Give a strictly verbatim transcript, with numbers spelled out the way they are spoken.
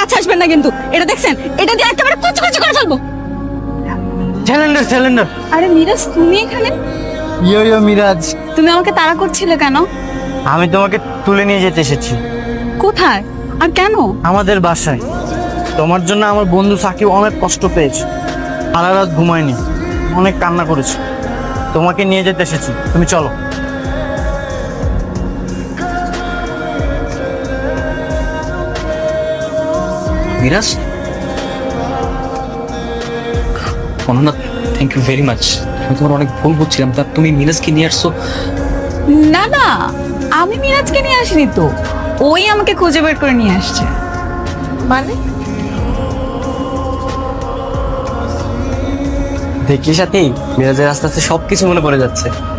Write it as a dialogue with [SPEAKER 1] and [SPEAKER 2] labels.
[SPEAKER 1] কাছে আসবেন না কিন্তু। এটা দেখছেন, এটা দিয়ে একেবারে কুচি কুচি করে ফেলবো।
[SPEAKER 2] Cylinder cylinder.
[SPEAKER 1] আরে মিরাজ, তুমি এখানে?
[SPEAKER 2] ইয়ো ইয়ো মিরাজ,
[SPEAKER 1] তুমি আমাকে তাড়া করছিলে কেন?
[SPEAKER 2] আমি তোমাকে তুলে নিয়ে যেতে এসেছি
[SPEAKER 1] কোথায় আর কেন?
[SPEAKER 2] আমাদের বাসায়। তোমার জন্য আমার বন্ধু সাকিব অনেক কষ্ট পেয়েছে, সারা রাত ঘুমায়নি, অনেক কান্না করেছে। তোমাকে নিয়ে যেতে এসেছি, তুমি চলো।
[SPEAKER 3] Miraj, Ananya, thank you very much. আমি তোমার অনেক ভুল বুঝছিলাম। তা তুমি মিরাজকে নিয়ে আসছো?
[SPEAKER 1] না না, আমি মিরাজকে নিয়ে আসিনি তো, ওই আমাকে খুঁজে বের করে নিয়ে আসছে। মানে?
[SPEAKER 2] দেখি সাথী, মিরাজের আস্তে আস্তে সবকিছু মনে পড়ে যাচ্ছে।